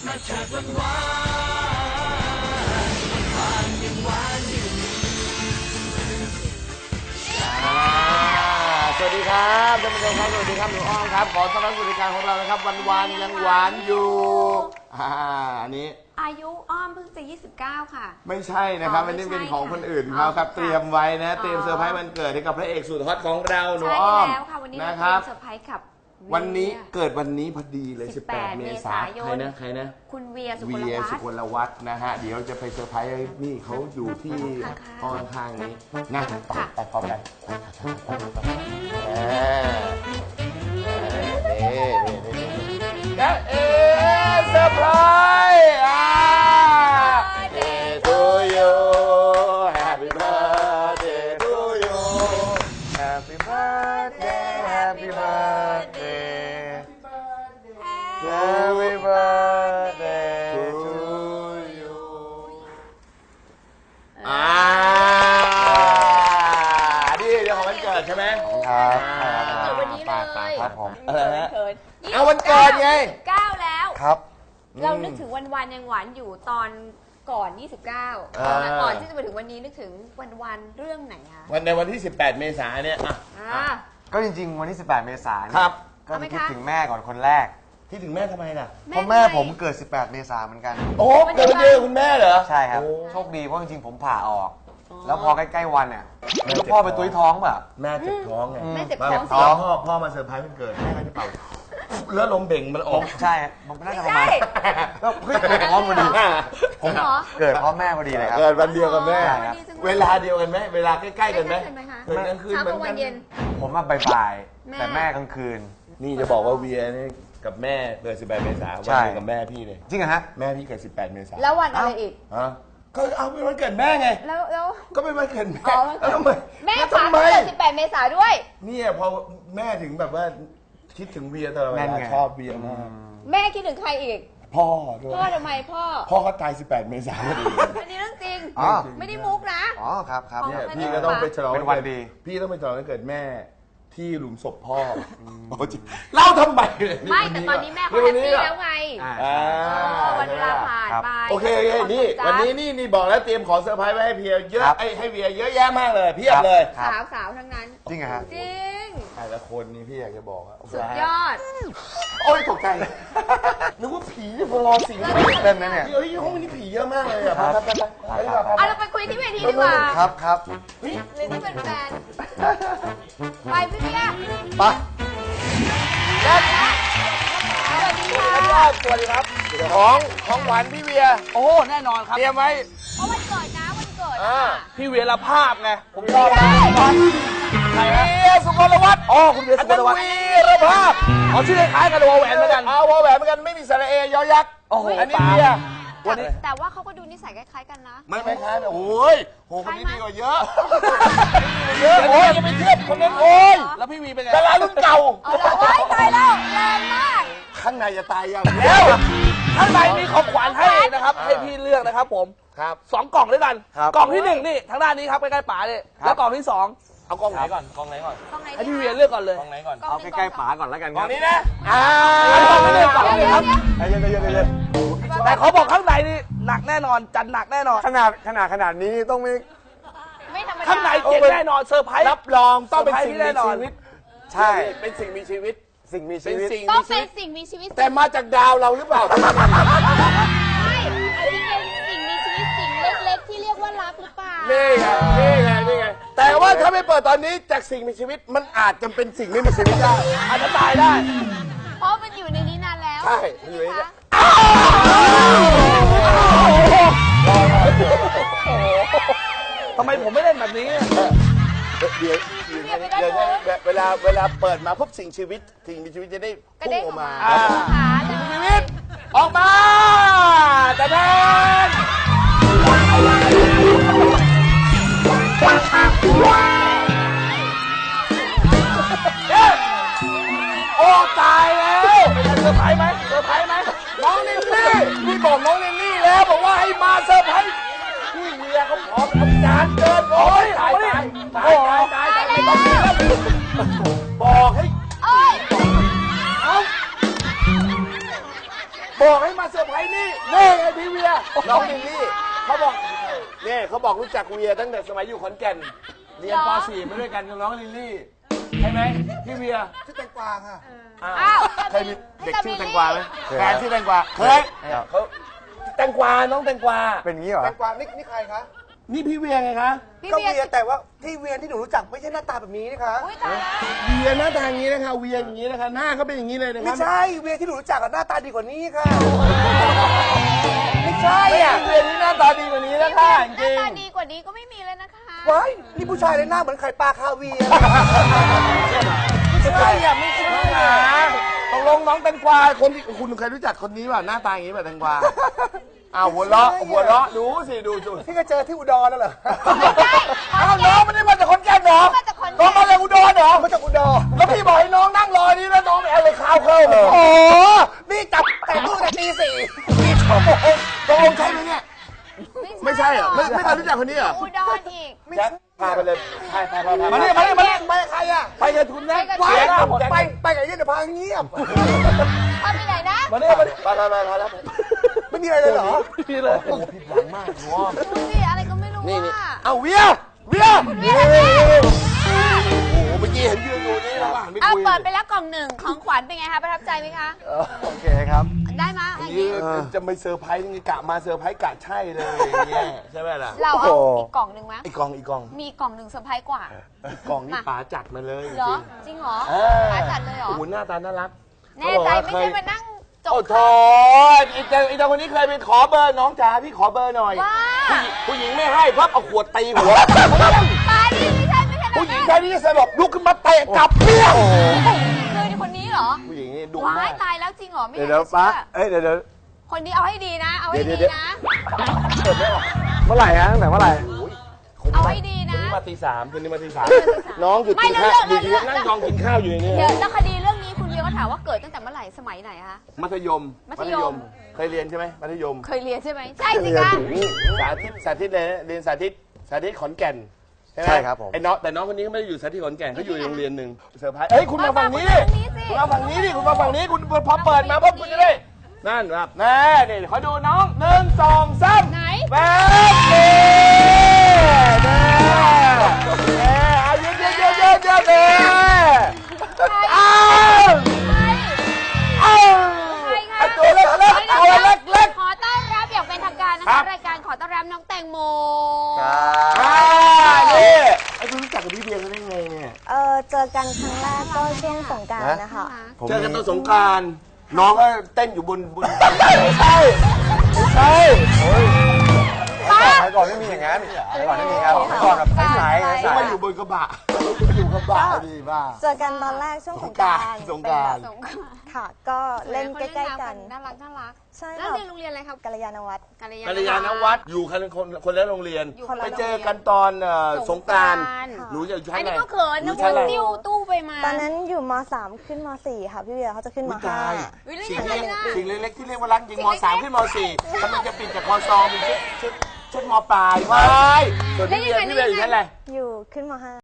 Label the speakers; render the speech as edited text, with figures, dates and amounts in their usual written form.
Speaker 1: มาเถิดวันวานยังหวานอยู่
Speaker 2: สวัสดีครับท่านผู้ชมครับสวัสดีครับหนูอ้อมครับขอต้อนรับสู่รายการของเรานะครับวันยังหวานอยู่อันนี้
Speaker 3: อายุอ้อมเพิ่งจะ29ค่ะ
Speaker 2: ไม่ใช่นะครับอันนี้เป็นของคนอื่นเขาครับเตรียมไว้นะเตรียมเซอร์ไพรส์วันเกิดให้กับพระเอกสุดฮอตของเราหนูอ้อม
Speaker 3: ใช่แล้วค่ะวันนี้
Speaker 2: นะครับ
Speaker 3: เซอร์ไพรส์กับ
Speaker 2: วันนี้เกิดวันนี้พอดีเลย18 เมษายนใครนะ
Speaker 3: คุณเวียสุ
Speaker 2: กลวัฒน์นะฮะเดี๋ยวจะไปเซอร์ไพรส์นี่เขาอยู่ที่ห้องข้างๆนี้นะไปพร้อมกันนี่เซอร์ไพรส์Day to you Happy birthday to you Happy birthday Happy birthday Happy birthday to you นี่เดี๋ยวของวันเกิดใช่ไหม
Speaker 3: ครับเกิดวันนี้เลย
Speaker 2: ครับผมอะไรนะ
Speaker 3: เอา
Speaker 2: วันเกิดไง
Speaker 3: 9แล้ว
Speaker 2: ครับ
Speaker 3: เรานึกถึงวันยังหวานอยู่ตอนก่อน29ก่อนที่จะมาถึงวันนี้นึกถึงวันเรื่องไหนคะ
Speaker 2: ในวันที่18 เมษายนเนี่ย
Speaker 4: ก็จริงๆวันที่18 เมษายน
Speaker 2: ครับ
Speaker 4: ก็คิดถึงแม่ก่อนคนแรก
Speaker 2: คิดถึงแม่ทำไมล่ะ
Speaker 4: เพราะแม่ผมเกิด18 เมษายนเหมือนกัน
Speaker 2: โอ้เกิดวันเดียวคุณแม่เหรอ
Speaker 4: ใช่ครับโชคดีเพราะจริงๆผมผ่าออกแล้วพอใกล้ๆวันเนี่ยแล้วพ่อไปตุ้ยท้องแบบ
Speaker 2: แม่เจ็บท้องไง
Speaker 3: แม่เจ็บ
Speaker 2: ท้องพ่อมาเซอร์ไพรส์วันเกิดแม่ก็จะเป่าแล้วลมเบ่งมันออก
Speaker 4: ใช่ผมน่าจะประมาณก็เฮ้ยท้องพอดีผมเกิดพ่อแม่พอดีเลยครับ
Speaker 2: เกิดวันเดียวกับแม่เวลาเดียวกันไหมเวลาใกล้ๆกันไหม
Speaker 3: เกิดกลางคืนเหมือนกัน
Speaker 4: ผมมาบ่ายๆแต่แม่กลางคืน
Speaker 2: นี่จะบอกว่าเวียนี่กับแม่เกิด18 เมษายนวันเดียวกับแม่พี่เลย
Speaker 4: จริงเหรอฮะ
Speaker 2: แม่พี่เกิด18 เมษายน
Speaker 3: แล้ววันอะไรอีก
Speaker 2: ก็เอาเป็นวันเกิดแม่ไง
Speaker 3: แล้ว
Speaker 2: ก็เป็นวันเกิดแม่
Speaker 3: แม่ผ่านเกิด18 เมษายนด้วย
Speaker 2: เนี่ยพอแม่ถึงแบบว่าคิดถึงเวียตลอดเวลาชอบเวียมาก
Speaker 3: แม่คิดถึงใครอีก
Speaker 2: พ่อ
Speaker 3: ทำไมพ่อ
Speaker 2: เขาตาย18 เมษายน
Speaker 3: อันนี้เรื่องจริงไม่ได้มุกนะ
Speaker 4: ครับ
Speaker 2: เนี่ยพี่ก็ต้องไปฉลองวันดีพี่ต้องไปฉลองวันเกิดแม่ที่หลุมศพพ่อเล่าทำไม
Speaker 3: ไม่แต่ตอนนี้แม่เขาแฮปปี้แล้วไงวันเวลาผ่านไป
Speaker 2: โอเคนี่วันนี้นี่บอกแล้วเตรียมของเซอร์ไพรส์ไว้ให้เพียเยอะให้เวียเยอะแยะมากเลยเพียบเลย
Speaker 3: สาวทั้งนั้น
Speaker 4: จริงเหรอฮะ
Speaker 3: จริง
Speaker 2: แต่ละคนนี่พี่อยากจะบอก
Speaker 3: สุดยอด
Speaker 2: โอ้ยตกใจนึกว่าผีพอรอสิง
Speaker 4: เล่นนะเนี่ย
Speaker 2: เฮ้ยห้องนี้ผีเยอะมากเลยอ่ะ
Speaker 3: เราไปคุยที่เวทีดีกว่า
Speaker 4: ครับ
Speaker 3: หรือที่เป็นแฟนไปพี่เบียร์
Speaker 4: ไป
Speaker 3: สวัสดีค่ะ
Speaker 2: สวัสดีครับของหวานพี่เวีย
Speaker 5: โอ้แน่นอนครับ
Speaker 2: เตรียมไว้
Speaker 3: เพราะวันเกิดนะ
Speaker 5: พี่เวียรภาพไงผมชอบ
Speaker 2: ใครนะเวียสุกลวัฒน์
Speaker 5: คุณเวียสุกลวัฒน์
Speaker 2: วีรภาพ
Speaker 5: ชื่อคล้ายกันวอแหวนเหมือนกัน
Speaker 2: วอแหวนเหมือนกันไม่มีสระเอยอยักษ์อันนี้เวีย
Speaker 3: แต่ว่าเขาก็ดูนิสัยคล้ายๆกันนะ
Speaker 2: ไม่คล้ายโอ้ยคนนี้ดีกว่าเยอะโอ้ยจะไปเทียบคนนั้นโอ้ย
Speaker 5: แล้วพี่วีเป็นไง
Speaker 2: ดารารุ่นเก่า
Speaker 3: โอ้ยตายแล้วแรงมาก
Speaker 2: ข้างในจะตายยัง
Speaker 5: แล้วข้างในมีของขวัญให้นะครับให้พี่เลือกนะครับผม
Speaker 2: ครับ
Speaker 5: 2 กล่องด้วยกันกล่องที่1นี่ทางด้านนี้ครับใกล้ๆป๋าเลยแล้วกล่องที่2
Speaker 2: เอากล่องไหนก่อน
Speaker 5: ให้พี่เวียเลือกก่อนเลย
Speaker 2: กล่องไหนก่อน
Speaker 4: เอาใกล้ๆป๋าก่อนแล้วกัน
Speaker 2: กล่องนี้นะ
Speaker 5: กล่องที่1กล่องนี้ครับ
Speaker 4: เย็น
Speaker 5: แต่เขาบอกข้างในนี่หนักแน่นอนจัดหนักแน่นอน
Speaker 4: ขนาดนี้ต้อง
Speaker 3: ไม่ธรรมดา
Speaker 5: ข้างในเจ๋งแน่นอนเซอร์ไพรส์
Speaker 2: รับรองต้องเป็นสิ่งมีชีวิต
Speaker 4: ใช่
Speaker 2: เป็นสิ่งมีชีวิต
Speaker 3: ต้องเป็นสิ่งมีชีวิต
Speaker 2: แต่มาจากดาวเราหรือเปล่า
Speaker 3: ไม่อาจจะเป็นสิ่งมีชีวิตสิ่งเล็กๆที่เรียกว่ารักหรือเปล่า
Speaker 2: นี่ไงแต่ว่าถ้าไม่เปิดตอนนี้จากสิ่งมีชีวิตมันอาจจะเป็นสิ่งไม่มีชีวิตได้
Speaker 5: อาจจะตายได้
Speaker 3: เพราะมันอยู่ในนี้นานแล้ว
Speaker 2: ใช่อยู่ในนี้
Speaker 5: ทำไมผมไม่เล่นแบบนี้
Speaker 2: เดี๋ยวเวลาเปิดมาพบสิ่งมีชีวิตจะได้พุ่งออกมา
Speaker 3: สิ่งมี
Speaker 2: ชีวิตออกมาแต่แทนโอ้ตายแล้ว
Speaker 5: เซอร์ไพรส์ไหม
Speaker 2: น้องนินนี่พี่บอกน้องนินนี่แล้วบอกว่าให้มาเซอร์ไพรส์พี่เมียเขาขอทำงานเกินโอ้ยตายไม่ต้องมีแล้วบอกให้บอกให้มาเซอร์ไพรส์นี่นี่ไงพี่เวียน้องลิลลี่เขาบอกเนี่ยเขาบอกรู้จักเวียตั้งแต่สมัยอยู่ขอนแก่นเรียนป .4 มาด้วยกันกับน้องลิลลี่ใช่ไหมพี่เวีย
Speaker 6: ชื่อแตงกวาค่ะ
Speaker 3: อ้าว
Speaker 2: เคยมีเด็กชื่อแตงกวาไหมแฟนชื่อแตงกวาเคยเขาแตงกวาน้องแตงกวา
Speaker 4: เป็นงี้เหรอ
Speaker 6: แตงกวานี่ใครคะ
Speaker 2: นี่พี่เวียไงคะ
Speaker 3: พี่
Speaker 6: ก็
Speaker 3: เวีย
Speaker 6: เวียแต่ว่าที่เวียที่หนูรู้จักไม่ใช่หน้าตาแบบนี้นะคะ
Speaker 3: อุ้ยตายแล้ว
Speaker 2: เวียหน้าตาอย่างนี้นะคะเวียอย่างนี้นะคะหน้าเขาเป็นอย่างนี้เลยนะค
Speaker 6: ไม่
Speaker 2: รับ
Speaker 6: ใช่เวียที่หนูรู้จักอะหน้าตาดีกว่านี้ค่ะ ไม่ใช่
Speaker 2: ไม่อยากเวียนี่หน้าตาดีกว่านี้แล้วค่ะจ
Speaker 3: หน้า
Speaker 2: ริง
Speaker 3: ตาดีกว่านี้ก็ไม่มีเลยนะคะ
Speaker 6: ว้ายนี่ผู้ชายเลยหน้าเหมือนไข่ปลาคาเวียร์
Speaker 2: ไม่ใช่อะไม่ใช่นะตกลงน้องแตงกวาคนที่คุณเคยรู้จักคนนี้ป่ะหน้าตาอย่างนี้ป่ะแตงกวาอ้าวหัวเราะดูสิดูสิ
Speaker 6: ที่ก็เจอที่อุดรแล้วเหรอ
Speaker 3: ไม่ใช่
Speaker 2: อ้าวน้องไม่ได้มาจากขอนแก่นเหรอ
Speaker 3: มาจากขอนแก่น
Speaker 2: น้องมาจากอุดรเหรอ
Speaker 6: มาจากอุดร
Speaker 2: แล้วพี่บอกให้น้องนั่งรอนี่แล้วน้องไม่เอาเลยข้าวเข้า
Speaker 6: โอ้โหนี่จับแต่งตู้แต่ตีสี่
Speaker 2: ตกลงใช่ไหมเนี่ยไม่ใช่เหรอไม่เคยรู้จักคนนี้เหรอ
Speaker 3: อุดรอีก
Speaker 2: แจ็คพาไปเลยพามา
Speaker 6: นี่
Speaker 2: นี่มานี่
Speaker 6: ไปใครอะ
Speaker 2: ไปกับทุนนะ
Speaker 6: ว้า
Speaker 2: เสี
Speaker 6: ย
Speaker 2: ยหน้าหมด
Speaker 6: ไปกับยี่เดี๋ยวพาเงียบ
Speaker 3: พาไปไหนนะ
Speaker 2: มานี่มาแล้ว
Speaker 6: ไม่มีอะไรเลยเหรอ
Speaker 2: พี่เลยผิดหวังมากหัว
Speaker 3: ดูสิอะไรก็ไม่รู้
Speaker 2: นี่
Speaker 3: ว่า
Speaker 2: เอาเวีย
Speaker 3: เวีย
Speaker 2: โอ้โหเมื่อกี้เห็นยืนอยู่นี่แล้วหันไป
Speaker 3: เอา
Speaker 2: คุย
Speaker 3: เปิดไปแล้วกล่องหนึ่งของขวัญเป็นไงคะประทับใจไหมคะ
Speaker 4: โอเคครับ
Speaker 3: ได้ไหมยอย่าง
Speaker 2: นี่
Speaker 3: นี้
Speaker 2: จะไม่เซอร์ไพรส์ยังไงกะมาเซอร์ไพรส์กะใช่เลยอย่างเงี้ยใช่ไหมล่ะ
Speaker 3: เราเอาอีกกล่องหนึ่งไหม
Speaker 2: อีกกอง
Speaker 3: มีกล่องหนึ่งเซอร์ไพรส์กว่า
Speaker 2: อีกกองนี่ป๋าจัดมาเลย
Speaker 3: เหรอ จริงเหรอ
Speaker 2: เออ
Speaker 3: หาจัดเลยเหรอ
Speaker 2: โอ้โหหน้าตาน่ารัก
Speaker 3: แน่ใจไม่ใช่มานั่งจก
Speaker 2: โอ้โถอีเจ้าคนนี้เคยไปขอเบอร์น้องจ๋าพี่ขอเบอร์หน่อย
Speaker 3: ว่า
Speaker 2: ผู้หญิงไม่ให้พับเอาขวดตีหัว
Speaker 3: ตายนี่ไม่ใช่แบบ
Speaker 2: ผู้หญิง
Speaker 3: นั้น
Speaker 2: แค่นี้สลบลุกขึ้นมาเตะกลับเปี้ยง
Speaker 3: คือคนนี้เหรอ
Speaker 2: ผู้หญิงนี่ดุ
Speaker 3: ว้าม
Speaker 2: าย ก
Speaker 3: ตายแล้วจริงเหรอไม่
Speaker 4: เดี๋
Speaker 3: อย ยาว ก
Speaker 4: เดี๋ยว
Speaker 3: จะ
Speaker 4: ป้า
Speaker 3: เชื่อ
Speaker 4: เอ้ยเดี๋ยว
Speaker 3: คนนี้เอาให้ดีนะ เอาให้ดีนะ
Speaker 4: เมื่อไหร่ฮะตั้งแต่เมื่อไหร่
Speaker 3: เอาให้ดีนะ
Speaker 2: มาตีสามคืนนี้มาตีสามน้องหยุด
Speaker 3: ไม่
Speaker 2: กินข้าว
Speaker 3: เรื่อง
Speaker 2: อยู่นั่งยองกินข้าวอยู่ในนี้
Speaker 3: เดี๋ยวแล้วคดีเรื่องนี้คุณเวียก็ถามว่าเกิดตั้งแต่เมื่อไหร่สมัยไหนคะ
Speaker 2: มัธยม
Speaker 3: มัธยม
Speaker 2: เคยเรียนใช่ไหมมัธยม
Speaker 3: เคยเรียนใช่ไหมใช่สิคะ
Speaker 2: สาธิตเลยนะเรียนสาธิตขอนแก่นใช่ไหม
Speaker 4: ใช่ครับผม
Speaker 2: ไอ้น้องแต่น้องคนนี้เขาไม่ได้อยู่สาธิตขอนแก่นเขาอยู่โรงเรียนหนึ่งเซอร์ไพรส์เฮ้ยคุณมาฝั่งนี้ดิคุณมาฝั่งนี้ดิคุณมาฝั่งนี้คุณพอเปิดมาปุ๊บคุณจะได้นั่นครับแน่นี่ขอดูน้อง1 2 3
Speaker 3: ไหน
Speaker 2: แป๊บเดีแน่เอาเยอะเน่อ้าวอ้าวตัวเล็กตัวเล็ก
Speaker 3: ขอต้อนรับอย่างเป็นทางการนะ
Speaker 2: ครั
Speaker 3: คะ
Speaker 2: บ
Speaker 3: รายการขอต้อนรับน้องแตงโม
Speaker 2: นี่ไอ้คุณรู้จักกับพี่เบียร์เขาได้ไงเนี่ย
Speaker 7: เจอกันครั้งแรกก็ช่วงสงกรานต์นะคะ
Speaker 4: ผม
Speaker 2: เจอกันตอนสงกรารน้องก็เต้นอยู่บนไม่ใช่
Speaker 4: สมัยก่อนไม่มีอย่างนั้นสมัยก่อนไม่มีครับสมัยก่อนแบบใสๆ
Speaker 2: มาอยู่บนกระบะอยู่กระบะดีบ้า
Speaker 7: เจอกันตอนแรกช่วงสงกรานต์
Speaker 2: สงกรานต์
Speaker 7: เป็นแบบค่ะ ก็เล่นใกล้ๆกัน
Speaker 3: น่ารักน่ารัก
Speaker 7: ใช่
Speaker 3: แล้ว
Speaker 7: ค่ะ
Speaker 3: เรียนโรงเรียนอะไรครับ
Speaker 7: กัลยาณวัฒน์
Speaker 3: กัล
Speaker 2: กัลยาณวัฒน์อยู่คนละโรงเรียน
Speaker 3: อยู่คนละ
Speaker 2: ไป
Speaker 3: โรงเรียน
Speaker 2: เจอกันตอนสงกรานต์
Speaker 7: ค่ะ
Speaker 2: หนูจะอยู่ชั้
Speaker 3: อั
Speaker 2: น
Speaker 3: น
Speaker 2: ไหน
Speaker 3: นี้ก็เขิน
Speaker 2: หนู
Speaker 3: นะ
Speaker 2: ชั้นอะไร
Speaker 3: ติ้วตู้ไปมา
Speaker 7: ตอนนั้นอยู่ม .3 ขึ้นม .4 ค่ะพี่เวียเขาจะขึ้นม
Speaker 2: ตาย
Speaker 3: วิล
Speaker 2: สิ่
Speaker 3: ลี่
Speaker 2: ง
Speaker 3: ยังไง
Speaker 2: เล็ก
Speaker 3: นะ
Speaker 2: สิ่งเล็กๆที่เรียกว่ารักจริงม.3 ขึ้นม.4 กำลังจะปิดจากคอซองเป็นชุดม.ปลายไว้ส่วนพี่เบียร์อยู่ชั้นอะไร
Speaker 7: .5 อยู่ขึ้นม .5